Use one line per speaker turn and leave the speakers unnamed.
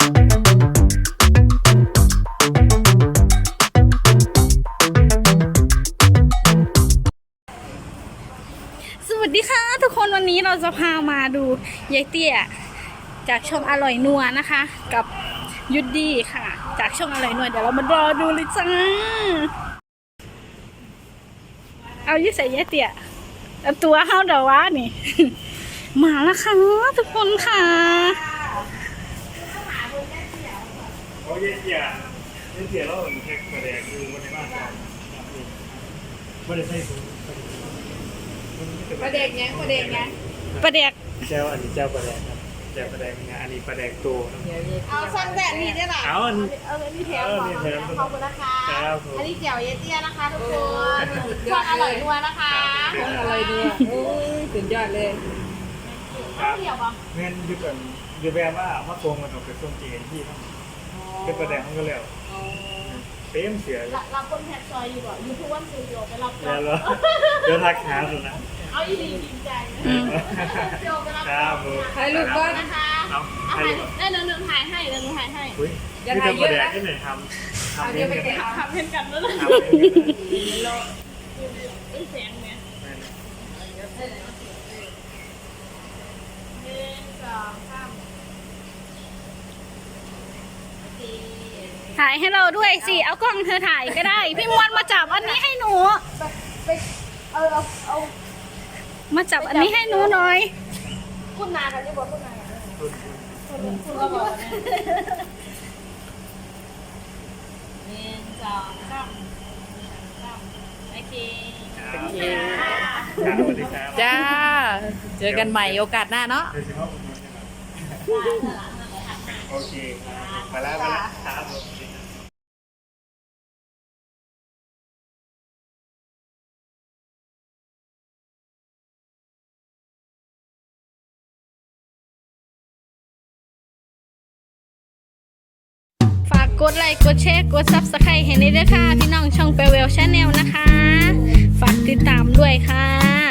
สวัสดีค่ะทุกคนวันนี้เราจะพามาดูยายเตี้ยจากช่องอร่อยนัวนะคะ กับยุดดี้ค่ะ จากช่องอร่อยนัวเดี๋ยวเรามารอดูเลยจ้าเอายิ่ใส่ยายเตี้ยเอาตัวเฮาเดี๋ยววะนี่ มาแล้วค่ะทุกคนค่ะ
โอ้ยเสียแล้วแท็กประแดกคือวันในบ้านเราไม่ได้ใส่ถุง
ประเด็กไงประเด็กไง
ประเด็ก
เจ้าอันนี้เจ้าประแดกครับเจ้าประแดกงานอันนี้ประแดกตัวครับ
เอาสั่งแบบนี้ได้หรอ
เอาอัน
เอาอันนี้แถมขอบคุณนะคะอันนี้เจียวเยเตี้ยนะคะทุกคนช่องอร่อยนัวนะคะช่องอร่อยนัวโอ้ยสุดยอดเลย
ครับเงินอยู่ก่อนอยู่แบบว่ามาโกงมันออกไปส่งเจนที่ครับเป็นประแดกมันก็แล้วเต็มเสียเลย
รับคนแทนซอยอยู่ก่อนยูทูบวันซูดิโอไปรับ
แล้วเดี๋ยวทักหาสุดนะ
เอาอีดีจริงใจโยไปรับ
ครับผม
ถ่ายรูปก่อนนะคะ
เอา
เอาถ่ายได้เรื่องถ่ายให้เรื่องถ่ายให้
อุ้ยนี่เป็นประแดกที่ไหนทำเองกัน
ทำเพื่อนกันแล้วนะ
ทำเองกัน
ไอ้แสงเนี่ยหนึ่งสองสามโอเค
ถ่ายให้เราด้วยสิเอากล้องเธอถ่ายก็ได้ พี่มวลมาจับอันนี้ให้หนู
ไปเอา
มาจับอันนี้ให้หนูหน่อย
คุณนากันที่บอกคุณนากันคุณก็บอกหนึ่งสองสามโอเค
ครับสวัสดีครับ
จ้า เจอกันใหม่โอกาสหน้าเนาะ
โดยเฉพาะคุณโอเคครับมาแล้วครับผม
ฝากกดไลค์กดแชร์กดซับสไครต์ให้ในด้วยค่ะ พี่น้องช่องเปเวลชาแนลนะคะ ฝากติดตามด้วยค่ะ